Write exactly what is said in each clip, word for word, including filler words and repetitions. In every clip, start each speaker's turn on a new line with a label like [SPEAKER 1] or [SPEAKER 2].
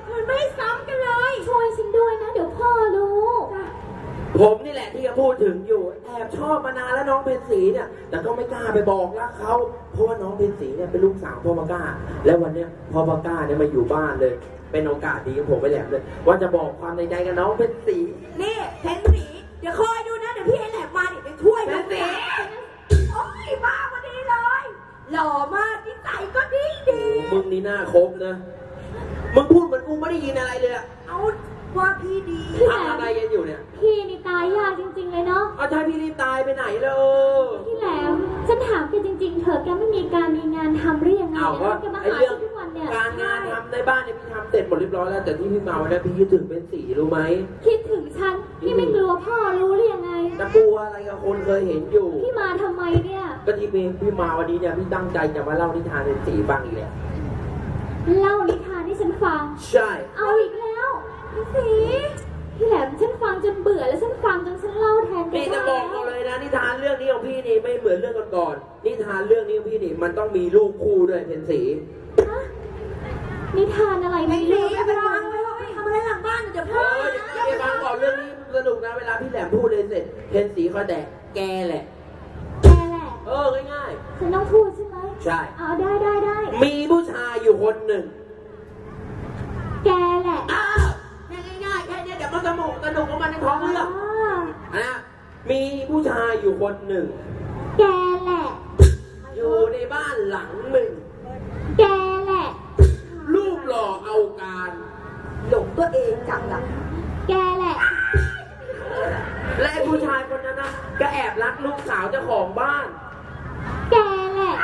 [SPEAKER 1] มันไม่ซ้ำกันเลย
[SPEAKER 2] ช่วยฉันด้วยนะเดี๋ยวพ่อรู้
[SPEAKER 3] ผมนี่แหละที่จะพูดถึงอยู่แอบชอบมานานแล้วน้องเพนสีเนี่ยแต่ก็ไม่กล้าไปบอกรักเขาเพราะว่าน้องเพนสีเนี่ยเป็นลูกสาวพ่อปาก้าแล้ววันเนี้ยพ่อปาก้าเนี่ยมาอยู่บ้านเลยเป็นโอกาสดีของผมไปแหลมเลยว่าจะบอกความในใจกับน้องเพนสี
[SPEAKER 1] นี่เพนสีเดี๋ยวคอยดูนะเดี๋ยวพี่ไอ้แหลมมาเดี๋ยวไปช่วยเพนสีโอ้ยมาพอดีเลยหล่อมากนิสัยก็ดีดี
[SPEAKER 3] มึงนี่หน้าคมนะมึงพูดเหมือนกูไม่ได้ยินอะไรเลยอะ
[SPEAKER 1] เอาว่าพี่ดี
[SPEAKER 3] ทำอะไรกันอยู่เนี่ย
[SPEAKER 2] พี่นี่ตายยากจริงๆเลยเนาะ
[SPEAKER 3] เอาใช่พี่นี่ตายไปไหนเลย
[SPEAKER 2] พี่แหลมฉันถามแกจริงๆเธอแกไม่มีการมีงานทำหรือยังไงแล้วแกมาหาฉันทุกวันเนี่ย
[SPEAKER 3] การงานทำในบ้านเนี่ยพี่ทำเสร็จหมดเรียบร้อยแล้วแต่ที่พี่มาวันนี้พี่คิดถึงเป็นสีรู้ไหม
[SPEAKER 2] คิดถึงฉันพี่ไม่กลัวพ่อรู้หรือยังไง
[SPEAKER 3] จะกลัวอะไรกับคนเคยเห็นอยู่
[SPEAKER 2] พี่มาทำไมเนี่ย
[SPEAKER 3] ก็ที่พี่มาวันนี้เนี่ยพี่ตั้งใจจะมาเล่านิทานเป็นสีฟังอีกแล้ว
[SPEAKER 2] เล่านิทานให้ฉันฟัง
[SPEAKER 3] ใช่
[SPEAKER 2] เอาอีกแล้วสีพี่แหลมฉันฟังจนเบื่อแล้วฉันฟังจนฉันเล่าแทนแก
[SPEAKER 3] นี่จะบอกเราเลยนะนิทานเรื่องนี้ของพี่นี่ไม่เหมือนเรื่องก่อนๆนิทานเรื่องนี้ของพี่นี่มันต้องมีลูกคู่ด้วยเพนสี
[SPEAKER 2] นิทานอะไรไม่รู้
[SPEAKER 1] ไปวางไว้ไปทำอะไรหลังบ้านเดี๋ยวพ่อ
[SPEAKER 3] อย่าไปฟังก่อนเรื่องนี้สนุกนะเวลาพี่แหลมพูดเลยเสร็จเพนสีเขาแดกแกแหละ
[SPEAKER 2] แกแหละ
[SPEAKER 3] เออง่าย
[SPEAKER 2] ๆฉันต้องพูดใช่ไหม
[SPEAKER 3] ใช่
[SPEAKER 2] เอาได้ได้ได้
[SPEAKER 3] มีผู้ชายอยู่คนหนึ่ง
[SPEAKER 2] แกแหละ
[SPEAKER 3] ง่ายๆแค่นี้เดี๋ยวมันสนุกสนุกของมันในท้องเรื่องนะมีผู้ชายอยู่คนหนึ่ง
[SPEAKER 2] แกแหละ
[SPEAKER 3] อยู่ในบ้านหลังหนึ่ง
[SPEAKER 2] แกแหละ
[SPEAKER 3] รูปหล่อเอาการ
[SPEAKER 1] หลงตัวเองจังล่ะ
[SPEAKER 2] แกแหละ
[SPEAKER 3] และไอ้ผู้ชายคนนั้นนะก็แอบรักลูกสาวเจ้าของบ้าน
[SPEAKER 2] แกแหละ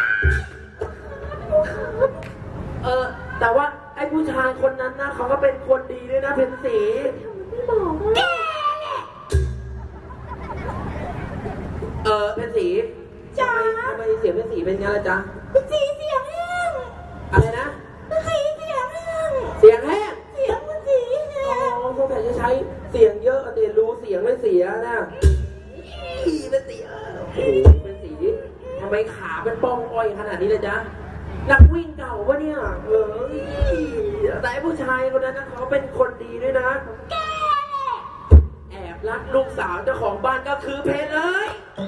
[SPEAKER 3] เออแต่ว่าไอ้ผู้ชายคนนั้นนะเขาก็เป็นคนดีด้วยนะเพนสี
[SPEAKER 2] ไม่บอกแกแหละ
[SPEAKER 3] เออเพนสี
[SPEAKER 1] จ้า
[SPEAKER 3] ทำไมเสียงเพนสีเป็นไงล่ะจ๊ะ
[SPEAKER 1] สีเสียงแห้ง
[SPEAKER 3] อะไรนะ
[SPEAKER 1] สีเสียงแห้ง
[SPEAKER 3] เสียงแห้ง
[SPEAKER 1] เสียงมันสีแห้ง
[SPEAKER 3] อ๋อสงสัยจะใช้เสียงเยอะแต่รู้เสียงไม่เสียนะเป็นสีโอ้โหเป็นสีทำไมขาเป็นป้องอ้อยขนาดนี้เลยจ๊ะนักวิ่งเก่าวะเนี่ยเออแต่ผู้ชายคนนั้นนะเขาเป็นคนดีด้วยนะ
[SPEAKER 2] แก
[SPEAKER 3] แอบรักลูกสาวเจ้าของบ้านก็คือเพนเลย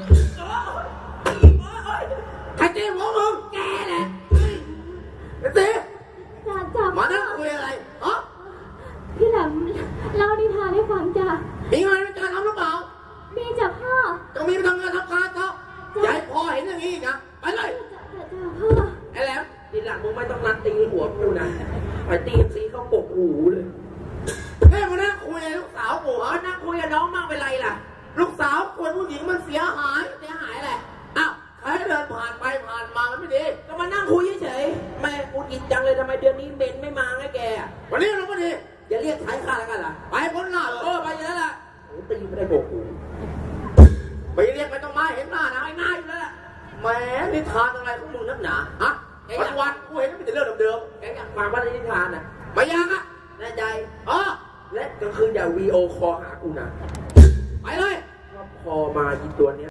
[SPEAKER 3] ใครเจ๊หัวมึงแกแหละเจ๊มานั่งคุยอะไรอ๋อ
[SPEAKER 2] พี่แหลมเล่านิทานให้ฟังจ้ะ
[SPEAKER 3] มีงานในการทำหรือเปล่า
[SPEAKER 2] มีจ้ะพ่อ
[SPEAKER 3] จะมีไปทำงานทำการเถอะอย่าให้พ่อเห็นอย่างนี้อีกนะไปเลยไอ้แล้วทีหลังมึงไม่ต้องนัดตีหัวกูนะไปตีซีเขาปกหูเลยแม่มานั่งคุยลูกสาวกูอ๋อนั่งคุยกับน้องมากเป็นไรล่ะลูกสาวคนผู้หญิงมันเสียหายเสียหายอะไรอ้าวใครเดินผ่านไปผ่านมามันไม่ดีก็มานั่งคุยเฉยๆแม่กูอิดจังเลยทำไมเดือนนี้เบนไม่มาไงแกวันนี้เราไม่ดีอย่าเรียกใช้ค่าแล้วกันล่ะไปพ้นหน้าเออไปเยอะละตีไม่ได้ปกหูไปเรียกไม่ต้องมาเห็นหน้านะไอ้หน้าอยู่แล้วแหมนิทานอะไรของมึงนักหนาฮะวันวันกูเห็นมันเป็นเรื่องเดิมๆแกอยากฟังว่านิทานน่ะไม่อยากอ่ะแน่ใจอ๋อและก็คืออย่าวีโอคอหากูนะไปเลยพอมาอีตัวเนี้ย